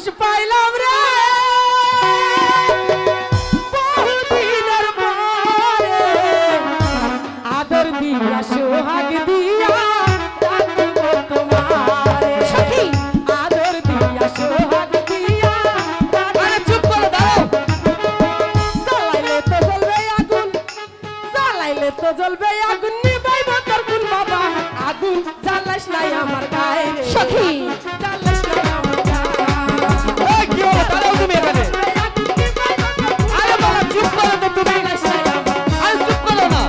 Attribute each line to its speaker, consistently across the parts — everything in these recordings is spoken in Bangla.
Speaker 1: মানুষ পাইলাম রে বহুদিনের পরে আদর দিয়া সোহাগ দিয়া রাখবো তোমারে
Speaker 2: সখী
Speaker 1: আদর দিয়া সোহাগ দিয়া
Speaker 3: আরে চুপ করো দাঁড়াও
Speaker 1: জ্বালাইলে তো জ্বলবে আগুন জ্বালাইলে তো জ্বলবে আগুন নিবাইব তোর কোন বাবা আগুন জ্বালাস নাই আমার গায়ে রে
Speaker 2: সখী
Speaker 1: জ্বালাস নাই আমার গায়ে
Speaker 3: এই কি হলো দাঁড়াও তুমি এখানে আরে বাবা চুপ করো তো তুমি আরে চুপ করো না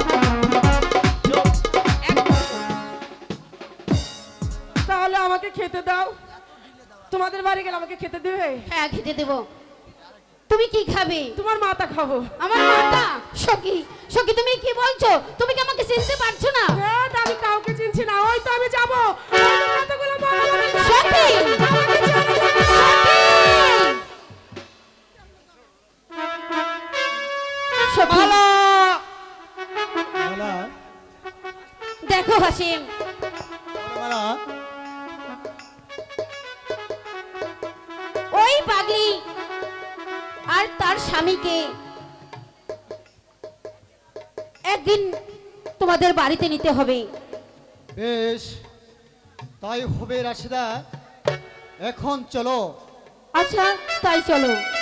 Speaker 1: তাহলে আমাকে খেতে দাও তোমাদের বাড়ি গেলে আমাকে খেতে দেবে
Speaker 2: হ্যাঁ খেতে দেব তুমি কি খাবে
Speaker 1: তোমার মাথা খাবো
Speaker 2: আমার মাথা সখী সখী তুমি কি বলছো তুমি কি আমাকে চিনতে পারছো না
Speaker 1: হ্যাঁ আমি কাউকে চিনছি না ওই তো আমি যাবো কতগুলো
Speaker 2: সখী সখী
Speaker 3: মালা
Speaker 4: মালা
Speaker 2: দেখো হাসিম
Speaker 4: মালা
Speaker 2: ওই পাগলি আর তার স্বামীকে একদিন তোমাদের বাড়িতে নিতে হবে
Speaker 4: বেশ তাই হবে রাশিদা এখন চলো
Speaker 2: আচ্ছা তাই চলো